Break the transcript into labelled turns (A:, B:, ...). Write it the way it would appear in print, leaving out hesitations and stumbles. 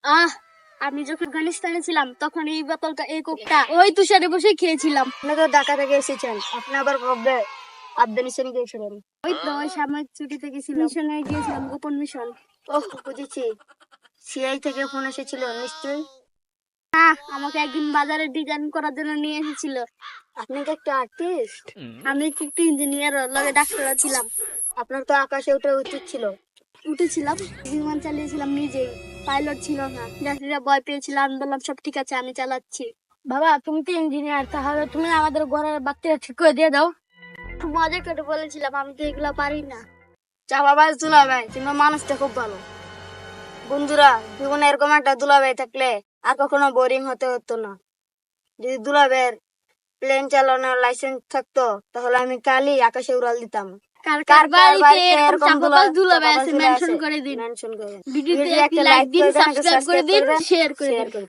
A: আহ আমি যখন আফগানিস্তানে ছিলাম তখন এই বোতলটা এই কোকটা ওই তুষারে বসে খেয়েছিলাম।
B: আপনি তো ঢাকা থেকে এসেছেন, আপনি আবার কবে আফগানিস্তানে গিয়েছিলেন?
A: ওই তো ওই সাময়িক ছুটিতে গেছিলাম, মিশনে গিয়েছিলাম, গোপন মিশন।
B: ওহ, বুঝেছি। সিআই থেকে ফোন এসেছিল নিশ্চয়ই।
A: হ্যাঁ, আমাকে একদিন বাজারে ডিজাইন করার জন্য নিয়ে এসেছিল।
B: আপনি কি একটা আর্টিস্ট?
A: আমি কি একটু ইঞ্জিনিয়ার লগে ডাক্তার ছিলাম।
B: আপনার তো আকাশে ওঠা উচিত ছিল।
A: উঠেছিলাম, বিমান চালিয়েছিলাম নিজেই, পাইলট ছিল না। যাত্রীরা ভয় পেয়েছিল, আমি বললাম সব ঠিক আছে, আমি চালাচ্ছি।
B: বাবা, তুমি তো ইঞ্জিনিয়ার, তাহলে তুমি আমাদের ঘরের বাচ্চাটা ঠিক করে দিয়ে দাও।
A: মজা করে বলেছিলাম, আমি তো এগুলো পারি না।
B: চা বাবা, দুলাভাই তোমার মানুষটা খুব ভালো। বন্ধুরা, জীবনে এরকম একটা দুলাভাই থাকলে আর কখনো বোরিং হতে হতো না। যদি দুলাভাইয়ের প্লেন চালানোর লাইসেন্স থাকতো তাহলে আমি কালই আকাশে উড়াল দিতাম।
A: কার
B: কার
A: কার
B: কার
A: বাড়িতে
B: বাড়িতে
A: এরকম
B: এরকম
A: চাপাবাজ দুলাভাই আছে
B: চাপাবাজ
A: মেনশন করে দিন।
B: মেনশন করে
A: ভিডিওতে
B: ভিডিওতে
A: একটা লাইক দিন, সাবস্ক্রাইব করে দিন, শেয়ার করে
B: শেয়ার
A: দিন।
B: করে